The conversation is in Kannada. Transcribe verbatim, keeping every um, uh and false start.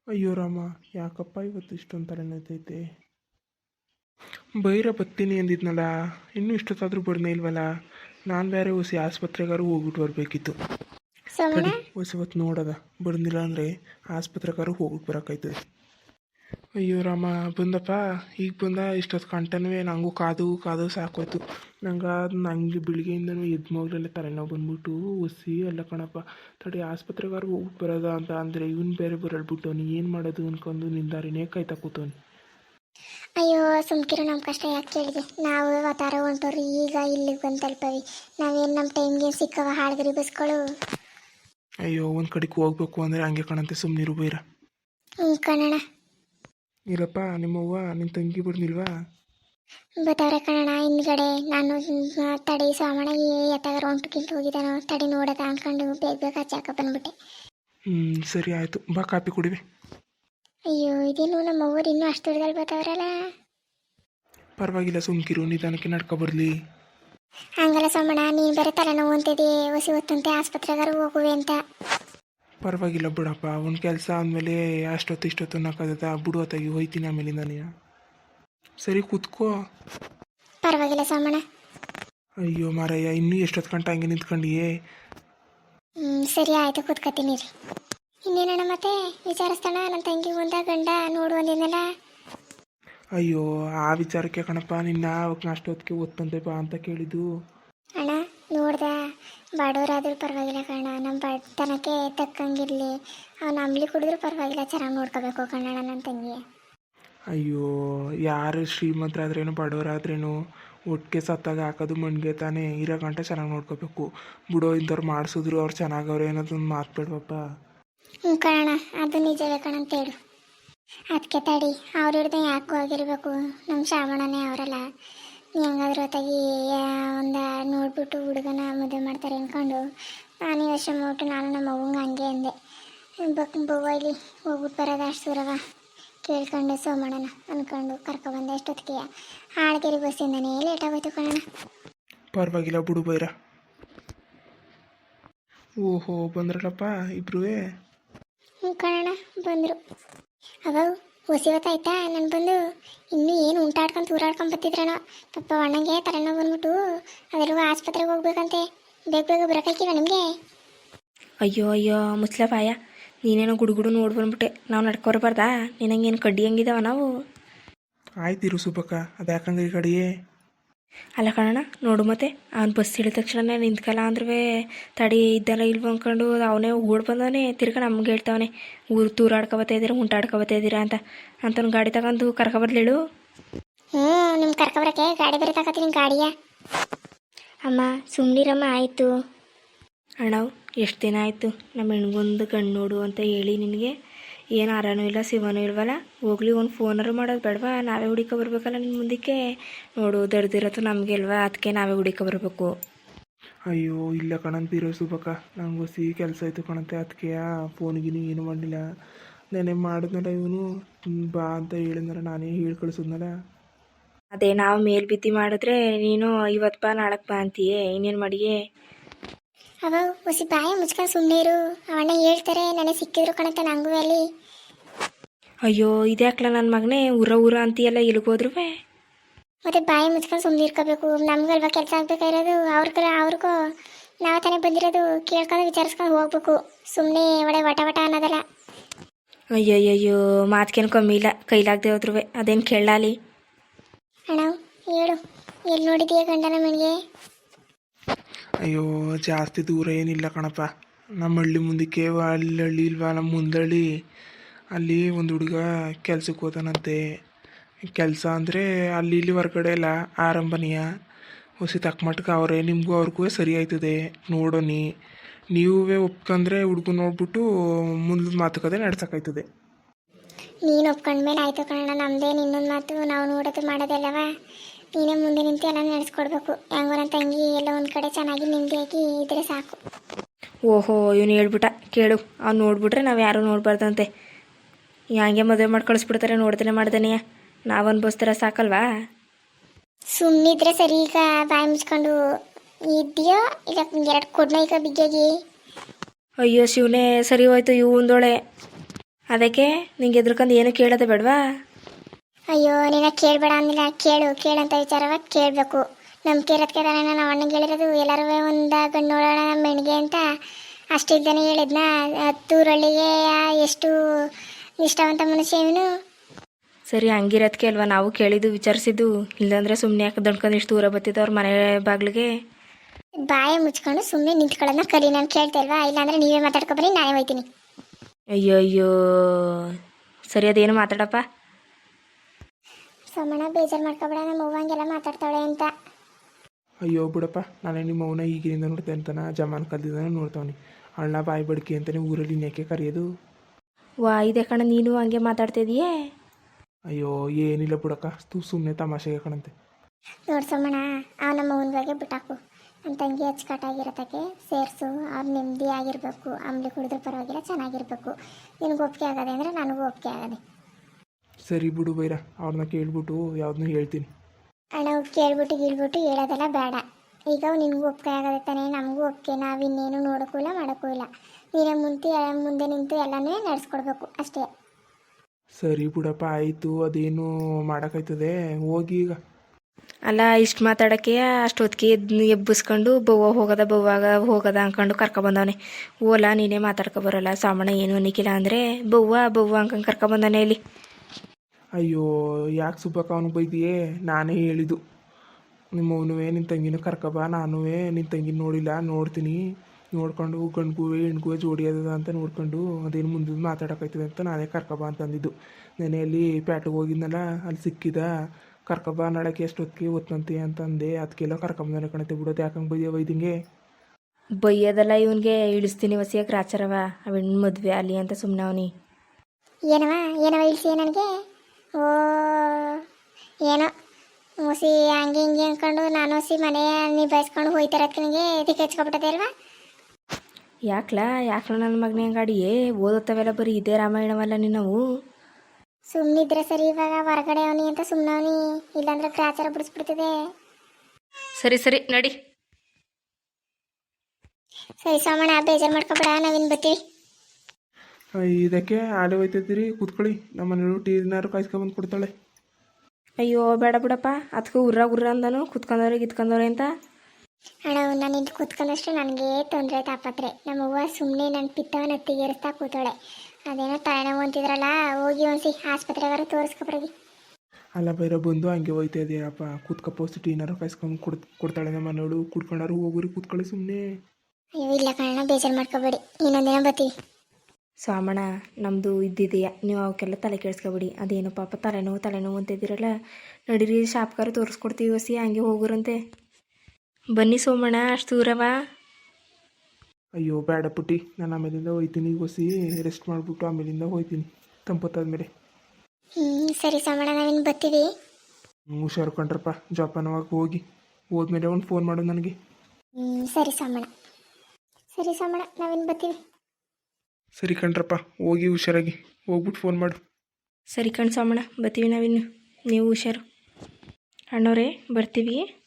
ಅಯ್ಯೋ ರಾಮ, ಯಾಕಪ್ಪ ಇವತ್ತು ಇಷ್ಟೊಂದು ತಲೆನೋಯ್ತೈತೆ. ಬೈರ ಬತ್ತೀನಿ ಅಂದಿದ್ನಲ್ಲ, ಇನ್ನೂ ಇಷ್ಟೊತ್ತಾದರೂ ಬರ್ನೇ ಇಲ್ವಲ್ಲ. ನಾನು ಬೇರೆ ಹೊಸಿ ಆಸ್ಪತ್ರೆಗಾರು ಹೋಗ್ಬಿಟ್ಟು ಬರಬೇಕಿತ್ತು. ಸೋಮಣ್ಣ ತಡಿ ಹೊಸಿ ಹೊತ್ತು ನೋಡೋದ, ಬಂದಿಲ್ಲ ಅಂದರೆ ಆಸ್ಪತ್ರೆಗಾರು ಹೋಗ್ಬಿಟ್ಟು ಬರೋಕ್ಕಾಯ್ತದೆ. ಅಯ್ಯೋ ರಾಮ, ಬಂದಪ್ಪ. ಈಗ ಬಂದ. ಇಷ್ಟೊತ್ತು ಕಂಟನವೇ ನನಗೂ ಕಾದು ಕಾದು ಸಾಕೋಯ್ತು. ನಂಗೆ ಅದು ನಂಗೆ ಬೆಳಿಗ್ಗೆಯಿಂದನೂ ಎದ್ದು ಮಗಲೆಲ್ಲ ತಲೆನೋವು ಬಂದ್ಬಿಟ್ಟು ಹೊಸಿ ಅಲ್ಲ ಕಣಪ್ಪ. ತಡಿ ಆಸ್ಪತ್ರೆಗಾರು ಹೋಗ್ಬಿಟ್ಟು ಬರೋದ ಅಂತ ಅಂದರೆ ಇವನು ಬೇರೆ ಬರಳ್ಬಿಟ್ಟವನು. ಏನು ಮಾಡೋದು ಅನ್ಕೊಂಡು ನಿಂದಾರಿನೇ ಕಾಯ್ತಾ ಕೂತವನು. ಅಯ್ಯೋ ಸುಮ್ಕಿರು, ನಮ್ಮ ಕಷ್ಟ ಯಾಕೆ ಕೇಳಿದೆ. ನಾವು ಅವತಾರ ಹೊಂಟೋರು ಈಗ ಇಲ್ಲಿಗೆ ಬಂದು ತಲುಪವಿ. ನಾವೇನು ನಮ್ಮ ಟೈಮ್ಗೆ ಸಿಕ್ಕವ ಹಾಳ್ಗರಿ ಬಸ್ಗಳು. ಅಯ್ಯೋ, ಒಂದು ಕಡೆಗೆ ಹೋಗ್ಬೇಕು ಅಂದರೆ ಹಂಗೆ ಕಣಂತೆ, ಸುಮ್ಮನಿರು ಬೈರ. ಹ್ಞೂ ಕಣಣ್ಣ. ಇಲ್ಲಪ್ಪ, ನಿಮ್ಮವ್ವ ನಿನ್ನ ತಂಗಿ ಬರ್ನಿಲ್ವಾ? ಬತ್ತವ್ರೆ ಕಣಣ್ಣ ಹಿಂದ್ಗಡೆ. ನಾನು ತಡಿ ಸೋಮಣ್ಣ ಎತ್ತಾಗ ಹೊಂಟುಕಿಂತ ಹೋಗಿದ್ದಾನೋ ತಡಿ ನೋಡೋದ ಅನ್ಕೊಂಡು ಬೇಗ ಬೇಗ ಹಚ್ಚಾಕ ಬಂದ್ಬಿಟ್ಟೆ. ಹ್ಞೂ ಸರಿ ಆಯಿತು, ಬಾ ಕಾಪಿ ಕುಡಿವೆ. ಅಯ್ಯೋ ಇದೇನು ನಮ್ಮ ಅವ್ರು ಇನ್ನೂ ಅಷ್ಟು ದೂರದಲ್ಲಿ ಬತ್ತವ್ರಲ್ಲ. ಪರವಾಗಿಲ್ಲ, ಸುಮ್ಕಿರು, ನಿಧಾನಕ್ಕೆ ನಡ್ಕೊ ಬರಲಿ. ಹಂಗಲ್ಲ ಸೋಮಣ್ಣ, ನೀನು ಬೇರೆ ತಲೆನೋವು ಅಂತಿದೆ, ಹೊಸಿ ಹೊತ್ತಂತೆ ಆಸ್ಪತ್ರೆಗಾರು ಹೋಗುವೆ ಅಂತ. ಪರವಾಗಿಲ್ಲ ಬಿಡಪ್ಪ, ಒಂದು ಕೆಲಸ ಆದಮೇಲೆ ಅಷ್ಟೊತ್ತು ಇಷ್ಟೊತ್ತು ಅನ್ನೋಕ್ಕಾಗದ. ಬಿಡು, ಹೊತ್ತಾಗಿ ಹೋಯ್ತೀನಿ ಆಮೇಲಿಂದ ನೀನು. ಸರಿ ಕೂತ್ಕೋ. ಪರವಾಗಿಲ್ಲ ಸೋಮಣ್ಣ. ಅಯ್ಯೋ ಮಾರಯ್ಯ, ಇನ್ನೂ ಎಷ್ಟೊತ್ತು ಗಂಟೆ ಹಂಗೆ ನಿಂತ್ಕೊಂಡಿಯೇ? ಹ್ಞೂ ಸರಿ ಆಯಿತು, ಕೂತ್ಕೊತೀನಿ ರೀ. ಇನ್ನೇನಣ್ಣ ಮತ್ತೆ ವಿಚಾರಿಸ್ತಾಳ ನನ್ನ ತಂಗಿ ಒಂದ ಗಂಡ ನೋಡು ಅಂದಿದ್ನಲ್ಲ. ಅಯ್ಯೋ, ಆ ವಿಚಾರಕ್ಕೆ ಕಣಪ್ಪ ನಿನ್ನ ಅವಕ್ಕೆ ಅಷ್ಟೊತ್ತಿಗೆ ಓದ್ತಂತೆ ಬಾ ಅಂತ ಕೇಳಿದ್ದು. ಅಣ್ಣ ನೋಡ್ದ, ಬಡವರಾದ್ರೂ ಪರವಾಗಿಲ್ಲ ಕಣ, ನಮ್ಮ ಬಡತನಕ್ಕೆ ತಕ್ಕಂಗಿರಲಿ. ಅವ್ನು ಅಂಬ್ಲಿ ಕುಡಿದ್ರೂ ಪರವಾಗಿಲ್ಲ, ಚೆನ್ನಾಗಿ ನೋಡ್ಕೋಬೇಕು ಕಣ್ಣಣ್ಣ ನನ್ನ ತಂಗಿ. ಅಯ್ಯೋ, ಯಾರು ಶ್ರೀಮಂತರಾದ್ರೇನು ಬಡವರಾದ್ರೇನು ಒಟ್ಟಿಗೆ ಸತ್ತಾಗ ಹಾಕೋದು ಮಣ್ಗೆ ತಾನೇ. ಇರೋ ಗಂಟೆ ಚೆನ್ನಾಗಿ ನೋಡ್ಕೋಬೇಕು. ಬಿಡೋ, ಇಂಥವ್ರು ಮಾಡಿಸಿದ್ರು ಅವ್ರು ಚೆನ್ನಾಗವ್ರೆ ಅನ್ನೋದೊಂದು ಮಾತು ಬೇಡವಪ್ಪ. ಹ್ಞೂ ಕಣಣ್ಣ, ಅದು ನಿಜವೇ ಕಣಂತ ಹೇಳು. ಅದಕ್ಕೆ ತಡಿ, ಅವ್ರು ಹಿಡ್ದು ಯಾಕೆ ಹೋಗಿರ್ಬೇಕು, ನಮ್ಮ ಶ್ರಾವಣನೇ ಅವರಲ್ಲ. ಹೆಂಗಾದ್ರೂ ಹೊತ್ತಾಗಿ ಒಂದು ನೋಡ್ಬಿಟ್ಟು ಹುಡುಗನ ಮದುವೆ ಮಾಡ್ತಾರೆ ಅಂದ್ಕೊಂಡು ನಾನು ಯೋಚನೆ ಮಾಡ್ಬಿಟ್ಟು ನಾನು ನಮ್ಮ ಅವ್ವಂಗೆ ಹಂಗೆ ಅಂದೆ. ಬಕ್ ಬವ್ವ ಇಲ್ಲಿ ಹೋಗ್ಬಿಟ್ಟು ಬರೋದು ಅಷ್ಟು ದೂರವ ಕೇಳ್ಕೊಂಡು ಸೋಮಣ್ಣನ ಅಂದ್ಕೊಂಡು ಕರ್ಕೊಬಂದೆ. ಅಷ್ಟೊತ್ತಿಗೆ ಹಾಳ್ಗೆರೆ ಬಸ್ಸಿಂದನೇ ಲೇಟ್ ಆಗೋಯ್ತು ಕಣಣ್ಣ. ಪರವಾಗಿಲ್ಲ ಬಿಡು ಬೈರ. ಓಹೋ, ಬಂದ್ರಲ್ಲಪ್ಪ ಇಬ್ರೂ? ಹ್ಞೂ ಕಣಣ್ಣ ಬಂದರು. ಅವಾಗ ಹೊಸಿ ಹೊತ್ತಾಯ್ತಾ ನಾನು ಬಂದು ಇನ್ನೂ ಏನು ಉಂಟಾಡ್ಕೊಂಡು ತೂರಾಡ್ಕೊಂಡು ಬತ್ತಿದ್ರೇನೋ. ಪಪ್ಪ ಅಣ್ಣಂಗೆ ತಲೆನೋವು ಬಂದ್ಬಿಟ್ಟು ಅದೆಲ್ಲ ಆಸ್ಪತ್ರೆಗೆ ಹೋಗ್ಬೇಕಂತೆ. ಬೇಗ ಬೇಗ ಬರೋಕಾಯ್ಕಿವ ನಿಮಗೆ? ಅಯ್ಯೋ ಅಯ್ಯೋ ಮುಸ್ಲಪಾಯ, ನೀನೇನೋ ಗುಡುಗುಡು ನೋಡಿ ಬಂದ್ಬಿಟ್ಟೆ. ನಾವು ನಡ್ಕೊಬಾರ್ದಾ? ನಿನಂಗೇನು ಕಡ್ಡಿ ಹಂಗಿದಾವ ನಾವು? ಆಯ್ತಿರು ಸುಬ್ಬಕ್ಕ, ಅದು ಯಾಕಂದ್ರೆ ಈ ಕಡೆಯೇ. ಅಲ್ಲ ಕಣಣ್ಣ, ನೋಡು ಮತ್ತೆ ಅವ್ನು ಬಸ್ ಇಳಿದ ತಕ್ಷಣ ನಿಂತ್ಕಲ್ಲ ಅಂದ್ರೆ ತಡಿ ಇದ್ದಲ್ಲ ಇಲ್ವ ಅಂದ್ಕೊಂಡು ಅವನೇ ಓಡ್ ಬಂದವನೇ ತಿರ್ಗ ನಮ್ಗೆ ಹೇಳ್ತಾವನೆ, ಊರು ತೂರಾಡ್ಕೊಬತ್ತಾ ಇದ್ದೀರಾ ಉಂಟಾಡ್ಕೊಬತ್ತಾ ಇದ್ದೀರಾ ಅಂತ. ಅಂತವ್ನು ಗಾಡಿ ತಗೊಂಡು ಕರ್ಕೊಬರ್ಲೇಳು. ಹ್ಞೂ ನಿಮ್ಮ ಕರ್ಕೊಬರಕ್ಕೆ ಗಾಡಿ ಬೇರೆ ತಗೋತೀನಿ ಗಾಡಿಯ. ಅಮ್ಮ ಸುಮ್ಮನಿರಮ್ಮ ಆಯಿತು. ಅಣ್ಣವ್ ಎಷ್ಟು ದಿನ ಆಯಿತು ನಮ್ಮ ಹೆಣ್ಗೊಂದು ಗಂಡು ನೋಡು ಅಂತ ಹೇಳಿ ನಿನಗೆ. ಏನು ಆರಾನೂ ಇಲ್ಲ ಶಿವನೂ ಇಲ್ವಲ್ಲ. ಹೋಗ್ಲಿ ಒಂದು ಫೋನಾರು ಮಾಡೋದು ಬೇಡವಾ? ನಾವೇ ಹುಡುಕೊ ಬರ್ಬೇಕಲ್ಲ ನಿನ್ನ ಮುಂದಕ್ಕೆ. ನೋಡು ದಡ್ದಿರತ್ತು ನಮಗೆ ಅಲ್ವಾ, ಅದಕ್ಕೆ ನಾವೇ ಹುಡುಕೊ ಬರಬೇಕು. ಅಯ್ಯೋ ಇಲ್ಲ ಕಣಂತ ಬೀರೋ ಸುಬ್ಬಕ್ಕ, ನಂಗೆ ಹೊಸಿ ಕೆಲಸ ಆಯಿತು ಕಣಂತೆ. ಅದಕ್ಕೆ ಫೋನಿಗಿನಿ ಏನು ಮಾಡಲಿಲ್ಲ. ನೆನೆ ಮಾಡಿದ್ನಲ್ಲ ಇವನು ಬಾ ಅಂತ ಹೇಳಿದ್ನಲ್ಲ, ನಾನೇ ಹೇಳಿ ಕಳಿಸಿದ್ನಲ್ಲ. ಅದೇ ನಾವು ಮೇಲ್ ಬಿದ್ದಿ ಮಾಡಿದ್ರೆ ನೀನು ಇವತ್ತು ಬಾ ನಾಳಕ್ಕೆ ಬಾ ಅಂತೀಯೇ, ಇನ್ನೇನು ಮಾಡಿಯೇ? ಅವ ಹೊಸಿ ಬಾಯ ಮುಚ್ಕೊಂಡು ಸುಮ್ಮನೆ ಇರು. ಅವಣ್ಣ ಹೇಳ್ತಾರೆ ನನಗೆ ಸಿಕ್ಕಿದ್ರು ಕಣಂತ ನಂಗೂ ಅಲ್ಲಿ. ಅಯ್ಯೋ ಇದ್ಯಾಕ್ಲ ನನ್ನ ಮಗನೇ ಊರ ಊರ ಅಂತೀಯಲ್ಲ, ಎಲ್ಲಿಗೋದ್ರು? ಮತ್ತೆ ಬಾಯಿ ಮುಚ್ಕೊಂಡು ಸುಮ್ಮನೆ ಇರ್ಕೋಬೇಕು. ನಮ್ಗಲ್ವಾ ಕೆಲಸ ಆಗ್ಬೇಕಾಗಿರೋದು, ಅವ್ರಿಗ ಅವ್ರಿಗೂ ನಾವು ತಾನೇ ಬಂದಿರೋದು. ಕೇಳ್ಕೊಂಡು ವಿಚಾರಿಸ್ಕೊಂಡು ಹೋಗ್ಬೇಕು, ಸುಮ್ಮನೆ ಒಳ್ಳೆ ವಟ ವಟ ಅನ್ನೋದಲ್ಲ. ಅಯ್ಯಯ್ಯಯ್ಯೋ ಮಾತ್ಕೇನು ಕಮ್ಮಿ ಇಲ್ಲ, ಕೈಲಾಗದೆ ಹೋದ್ರು ಅದೇನು ಕೇಳಲಿ. ಅಣ್ಣ ಹೇಳು, ಎಲ್ಲಿ ನೋಡಿದೀಯ ಗಂಡನ ಮನೆಗೆ? ಅಯ್ಯೋ ಜಾಸ್ತಿ ದೂರ ಏನಿಲ್ಲ ಕಣಪ್ಪ. ನಮ್ಮ ಹಳ್ಳಿ ಮುಂದಕ್ಕೆ ಅಲ್ಲಿ ಹಳ್ಳಿ ಇಲ್ವಾ, ನಮ್ಮ ಮುಂದಳ್ಳಿ, ಅಲ್ಲಿ ಒಂದು ಹುಡುಗ ಕೆಲ್ಸಕ್ಕೆ ಹೋತಾನಂತೆ. ಕೆಲಸ ಅಂದರೆ ಅಲ್ಲಿ ಇಲ್ಲಿ ಹೊರ್ಗಡೆ ಎಲ್ಲ ಆರಂಭನೀಯ ಹೊಸಿ ತಕ್ಕ ಮಟ್ಟಕ್ಕೆ ಅವರೇ. ನಿಮಗೂ ಅವ್ರಿಗೂ ಸರಿ ಆಯ್ತದೆ ನೋಡೋನಿ. ನೀವೇ ಒಪ್ಕೊಂಡ್ರೆ ಹುಡುಗ ನೋಡ್ಬಿಟ್ಟು ಮುಂದೆ ಮಾತುಕತೆ ನಡ್ಸೋಕ್ಕಾಯ್ತದೆ. ನೀನು ಒಪ್ಕೊಂಡ್ಮೇಲೆ ಆಯಿತು ಕಣ, ನಮ್ಮದೇನು ಇನ್ನೊಂದು ಮಾತು. ನಾವು ನೋಡೋದು ಮಾಡೋದಲ್ಲವ, ನೀನೇ ಮುಂದೆ ನಿಂತು ಎಲ್ಲ ನಡೆಸ್ಕೊಡ್ಬೇಕು. ಹೆಂಗೋ ನನ್ನ ತಂಗಿ ಎಲ್ಲ ಒಂದು ಕಡೆ ಚೆನ್ನಾಗಿ ನೆಮ್ಮದಿಯಾಗಿ ಇದ್ರೆ ಸಾಕು. ಓಹೋ ಇವನು ಹೇಳ್ಬಿಟ್ಟ ಕೇಳು, ಅವ್ನು ನೋಡ್ಬಿಟ್ರೆ ನಾವು ಯಾರೂ ನೋಡ್ಬಾರ್ದಂತೆ. ಹಂಗೆ ಮದುವೆ ಮಾಡಿ ಕಳಿಸ್ಬಿಡ್ತಾರೆ ನೋಡ್ತಾನೆ ಮಾಡ್ದಾನೆಯ. ನಾವು ಅನ್ಭವಿಸ್ತಾರ ಸಾಕಲ್ವಾ? ಸುಮ್ಮನಿದ್ರೆ ಸರಿ. ಈಗ ಬಾಯಿ ಮುಚ್ಕೊಂಡು ಇದೆಯೋ ಇಲ್ಲ ಎರಡು ಕೊಡ್ನ ಈಗ ಬಿಗ್ಗಾಗಿ. ಅಯ್ಯೋ ಶಿವನೇ, ಸರಿ ಹೋಯ್ತು ಇವು ಒಂದೊಳೆ. ಅದಕ್ಕೆ ನಿಂಗೆ ಎದ್ರಕಂದು ಏನು ಕೇಳೋದೆ ಬೇಡವಾ? ಅಯ್ಯೋ ನಿನ್ನ ಕೇಳಬೇಡ ಅಂದಿಲ್ಲ, ಕೇಳು ಕೇಳಂತ ವಿಚಾರವಾಗಿ ಕೇಳಬೇಕು. ನಂಬಿಕೆ ಇರೋದಕ್ಕೆ ತಾನೇ ನಾವು ಅಣ್ಣಂಗೆ ಹೇಳಿರೋದು. ಎಲ್ಲರೂ ಒಂದು ಗಂಡು ನೋಡೋಣ ನಮ್ಮ ಹೆಣ್ಣಿಗೆ ಅಂತ ಅಷ್ಟಿದ್ದಾನೆ ಹೇಳಿದ್ನ. ಹತ್ತೂರಳ್ಳಿಗೆ ಎಷ್ಟು ನಿಷ್ಠಾವಂತ ಮನುಷ್ಯ ಇವನು. ಸರಿ, ಹಂಗಿರೋದಕ್ಕೆ ಅಲ್ವಾ ನಾವು ಕೇಳಿದ್ದು ವಿಚಾರಿಸಿದ್ದು. ಇಲ್ಲಾಂದರೆ ಸುಮ್ಮನೆ ಯಾಕೆ ದಣ್ಕೊಂಡು ಇಷ್ಟು ದೂರ ಬತ್ತಿದ್ದು ಅವ್ರ ಮನೆ ಬಾಗಿಲಿಗೆ. ಬಾಯ ಮುಚ್ಕೊಂಡು ಸುಮ್ಮನೆ ನಿಂತ್ಕೊಳ್ಳೋದನ್ನ ಕಲಿ. ನಾನು ಕೇಳ್ತಾ ಇಲ್ವಾ? ಇಲ್ಲಾಂದ್ರೆ ನೀವೇ ಮಾತಾಡ್ಕೊಬರಿ, ನಾನೇ ಹೋಯ್ತೀನಿ. ಅಯ್ಯೋ ಅಯ್ಯೋ, ಸರಿ ಅದೇನು ಮಾತಾಡಪ್ಪ. ಸೋಮಣ್ಣ ಬೇಜಾರು ಮಾಡ್ಕೊಬೇಡ, ನಮ್ಮ ಅವ್ವಂಗೆಲ್ಲ ಮಾತಾಡ್ತಾಳೆ ಅಂತ. ಅಯ್ಯೋ ಬಿಡಪ್ಪ, ನಾನೇ ನಿಮ್ಮ ಅವನ ಈಗಿನಿಂದ ನೋಡ್ತೆ ಅಂತಾನ ಜಮಾನ್ ಕಲ್ದಿದ್ದಾನೆ ನೋಡ್ತಾವನಿ. ಅಣ್ಣ ಬಾಯಿ ಬಡ್ಕಿ ಅಂತಾನೆ ಊರಲ್ಲಿ ಇನ್ಯಾಕೆ ಕರೆಯೋದು? ವಾ, ಇದೆ ಕಣ, ನೀನು ಹಂಗೆ ಮಾತಾಡ್ತಿದೀಯೇ? ಅಯ್ಯೋ ಏನಿಲ್ಲ ಬಿಡಕ್ಕ, ತು ಸುಮ್ಮನೆ ತಮಾಷೆಗೆ ಕಣಂತೆ. ನೋಡು ಸೋಮಣ್ಣ, ಅವ ನಮ್ಮ ಅವ್ವನ ಬಗ್ಗೆ ಬಿಟ್ಟಾಕು. ನನ್ನ ತಂಗಿ ಅಚ್ಚುಕಟ್ಟಾಗಿರೋತಕ್ಕೆ ಸೇರಿಸು. ಅವ್ರು ನೆಮ್ಮದಿ ಆಗಿರಬೇಕು, ಅಂಬ್ಲಿ ಕುಡಿದ್ರೆ ಪರವಾಗಿಲ್ಲ, ಚೆನ್ನಾಗಿರ್ಬೇಕು. ನಿನಗೆ ಒಪ್ಪಿಗೆ ಆಗದೆ ಅಂದರೆ ನನಗೂ ಒಪ್ಪಿಗೆ ಆಗದೆ. ಸರಿ ಬಿಡು ಬೈರ, ಅವ್ರನ್ನ ಕೇಳ್ಬಿಟ್ಟು ಯಾವ್ದನ್ನೂ ಹೇಳ್ತೀನಿ. ಅಣ್ಣ ಕೇಳ್ಬಿಟ್ಟು ಗೀಳ್ಬಿಟ್ಟು ಹೇಳೋದೆಲ್ಲ ಬೇಡ. ಈಗ ನಿನಗೂ ಒಪ್ಪಿಗೆ ಆಗದೆ ತಾನೇ, ನಮಗೂ ಒಪ್ಪಿಗೆ. ನಾವಿನ್ನೇನು ನೋಡೋಕ್ಕೂ ಇಲ್ಲ ಮಾಡೋಕ್ಕೂ ಇಲ್ಲ. ನೀನೇ ಮುಂತಿ ಮುಂದೆ ನಿಂತು ಎಲ್ಲನೂ ನಡೆಸ್ಕೊಡ್ಬೇಕು ಅಷ್ಟೇ. ಸರಿ ಬಿಡಪ್ಪ, ಆಯಿತು. ಅದೇನು ಮಾಡೋಕ್ಕಾಯ್ತದೆ, ಹೋಗಿ ಈಗ. ಅಲ್ಲ, ಇಷ್ಟು ಮಾತಾಡೋಕ್ಕೆ ಅಷ್ಟೊತ್ತಿಗೆ ಎದ್ದು ಎಬ್ಬಿಸ್ಕೊಂಡು ಬವ್ವ ಹೋಗೋದ ಬವ್ವಾಗ ಹೋಗೋದ ಅಂದ್ಕೊಂಡು ಕರ್ಕೊಬಂದವನೆ. ಓಲಾ ನೀನೇ ಮಾತಾಡ್ಕೊಬರಲ್ಲ ಸಾಮಣ್ಣ, ಏನು ಅನ್ನಿಕ್ಕಿಲ್ಲ ಅಂದರೆ ಬವ್ವ ಬವ್ವ ಅಂಕಂಡು ಕರ್ಕೊಬಂದವನೆ ಇಲ್ಲಿ. ಅಯ್ಯೋ ಯಾಕೆ ಸುಬ್ಬಕ್ಕ ಅವನಿಗೆ ಬೈದಿಯೇ? ನಾನೇ ಹೇಳಿದ್ದು ನಿಮ್ಮವನು ನಿನ್ನ ತಂಗಿನೂ ಕರ್ಕೊಬ. ನಾನು ನಿನ್ನ ತಂಗಿನ ನೋಡಿಲ್ಲ, ನೋಡ್ತೀನಿ. ನೋಡ್ಕೊಂಡು ಗಂಡ್ಗೂ ಹೆಣ್ಗೂ ಜೋಡಿ ಅದ ಅಂತ ನೋಡ್ಕೊಂಡು ಅದೇನು ಮುಂದೆ ಮಾತಾಡೋಕ್ಕಾಯ್ತದೆ ಅಂತ ನಾನೇ ಕರ್ಕೊಬ ಅಂತಂದಿದ್ದು. ನೆನೆ ಅಲ್ಲಿ ಪ್ಯಾಟಿಗೆ ಹೋಗಿದ್ನಲ್ಲ, ಅಲ್ಲಿ ಸಿಕ್ಕಿದ. ಕರ್ಕೊಬ ನಾಳಕ್ಕೆ ಎಷ್ಟೊತ್ತಿಗೆ ಒತ್ತಂತೆ ಅಂತಂದೆ. ಅದಕ್ಕೆಲ್ಲ ಕರ್ಕೊಂಬಂದ ಕಣತೆ. ಬಿಡೋದು ಯಾಕಂಗೆ ಬೈಯ ಬೈದಿಂಗೆ? ಬೈಯೋದಲ್ಲ, ಇವನಿಗೆ ಇಳಿಸ್ತೀನಿ ವಸಿಯಾಗಿ ರಾಚರವ ಅವನ ಮದುವೆ ಅಲ್ಲಿ ಅಂತ ಸುಮ್ಮನೆ ಅವನಿ. ಏನವ ಏನವ ಇಳಿಸಿ ನನಗೆ? ಓ ಏನೋ ಮೂಸಿ ಹಂಗೆ ಹಿಂಗೆ ಅಂದ್ಕೊಂಡು ನಾನು ಸಿ ಮನೆ ನಿಭಾಯಿಸ್ಕೊಂಡು ಹೋಯ್ತಾರಕ್ಕೆ ನನಗೆ ಇದಕ್ಕೆ ಹೆಚ್ಕೊಬಿಟ್ಟದೆ ಅಲ್ವಾ? ಯಾಕ್ಲಾ ಯಾಕ್ಲ ನನ್ನ ಮಗನೇ ಹಂಗಾಡಿಯೇ ಓದುತ್ತವೆಲ್ಲ ಬರೀ ಇದೇ ರಾಮಾಯಣವಲ್ಲ ನಿನ್ನವು. ಸುಮ್ಮನಿದ್ರೆ ಸರಿ. ಇವಾಗ ಹೊರಗಡೆ ಅವನಿ ಅಂತ ಸುಮ್ಮನೆ ಅವನಿ, ಇಲ್ಲಾಂದ್ರೆ ಗ್ರಾಚಾರ ಬಿಡಿಸ್ಬಿಡ್ತಿದೆ. ಸರಿ ಸರಿ ನಡಿ. ಸರಿ ಸೋಮಣ್ಣ, ಬೇಜಾರು ಮಾಡ್ಕೊಬೇಡ, ನಾವಿನ್ ಬರ್ತೀವಿ. ಇದಕ್ಕೆ ಆಲೆ ಹೋಯ್ತಿದ್ದೀರಿ, ಕೂತ್ಕೊಳ್ಳಿ. ನಮ್ಮ ಮನೆಯವರು ಟೀನಾರು ಕಾಯಿಸ್ಕೊಂಬಂದು ಕೊಡ್ತಾಳೆ. ಅಯ್ಯೋ ಬೇಡ ಬಿಡಪ್ಪ, ಅದಕ್ಕೆ ಉರ್ರ ಉರ್ರ ಅಂದನು ಕುತ್ಕೊಂಡವ್ರೆ ಗಿತ್ಕೊಂಡವ್ರೆ ಅಂತ. ಅಣ್ಣ ನಾನು ಇಲ್ಲಿ ಕೂತ್ಕೊಂಡಷ್ಟು ನನಗೆ ತೊಂದರೆ ತಾಪತ್ರೆ. ನಮ್ಮವ್ವ ಸುಮ್ಮನೆ ನನ್ನ ಪಿತ್ತವನ್ನ ಹತ್ತಿಗೇರಿಸ್ತಾ ಕೂತಾಳೆ. ಅದೇನೋ ತಲೆನೋವು ಅಂತಿದ್ರಲ್ಲ, ಹೋಗಿ ಒಂದ್ಸಿ ಆಸ್ಪತ್ರೆಗಾರು ತೋರಿಸ್ಕೊಬ್ರಗಿ. ಅಲ್ಲ ಬೈರ ಬಂದು ಹಂಗೆ ಹೋಯ್ತಾ ಇದೆಯಪ್ಪ, ಕೂತ್ಕಪ್ಪೋಸ್ತು ಟೀನಾರು ಕಾಯಿಸ್ಕೊಂಡು ಕೊಡ್ ಕೊಡ್ತಾಳೆ ನಮ್ಮ ಮನೆಯವಳು. ಕುಡ್ಕೊಂಡಾರು ಹೋಗೋರಿ ಕೂತ್ಕೊಳ್ಳಿ ಸುಮ್ಮನೆ. ಅಯ್ಯೋ ಇಲ್ಲ ಕಣ, ಬೇಜಾರು ಮಾಡ್ಕೋಬೇಡಿ, ಇನ್ನೊಂದಿನ ಬರ್ತೀವಿ. ಸ್ವಾಮಣ್ಣ, ನಮ್ಮದು ಇದ್ದಿದೆಯಾ, ನೀವು ಅವಕ್ಕೆಲ್ಲ ತಲೆ ಕೆಡಿಸ್ಕೊಬಿಡಿ. ಅದೇನು ಪಾಪ ತಲೆನೋವು ತಲೆನೋವು ಅಂತಿದ್ದೀರಲ್ಲ, ನಡೀರಿ ಶಾಪ್ಗಾರು ತೋರಿಸ್ಕೊಡ್ತೀವಿ ಹೊಸಿ, ಹಂಗೆ ಹೋಗೋರಂತೆ. ಬನ್ನಿ ಸೋಮಣ್ಣ, ಅಷ್ಟು ದೂರವ? ಅಯ್ಯೋ ಬೇಡ ಪುಟ್ಟಿ, ನಾನು ಆಮೇಲಿಂದ ಹೋಯ್ತೀನಿ. ಈಗ ಹೊಸಿ ರೆಸ್ಟ್ ಮಾಡಿಬಿಟ್ಟು ಆಮೇಲಿಂದ ಹೋಯ್ತೀನಿ ತಂಪತ್ತಾದ್ಮೇಲೆ. ಹ್ಞೂ ಸರಿ ಸೋಮಣ್ಣ, ನಾವಿನ್ನು ಬರ್ತೀವಿ. ಹುಷಾರು ಕಂಡ್ರಪ್ಪ, ಜೋಪಾನವಾಗಿ ಹೋಗಿ. ಹೋದ್ಮೇಲೆ ಒಂದು ಫೋನ್ ಮಾಡು ನನಗೆ. ಹ್ಞೂ ಸರಿ ಸೋಮಣ್ಣ. ಸರಿ ಸೋಮಣ್ಣ, ನಾವಿನ್ನು ಬರ್ತೀವಿ. ಸರಿ ಕಣ್ರಪ್ಪ, ಹೋಗಿ ಹುಷಾರಾಗಿ ಹೋಗ್ಬಿಟ್ಟು ಫೋನ್ ಮಾಡು. ಸರಿ ಕಣ್ ಸೋಮಣ್ಣ, ಬರ್ತೀವಿ ನಾವಿನ್ನು. ನೀವು ಹುಷಾರು. ಅಣ್ಣವ್ರೆ ಬರ್ತೀವಿ.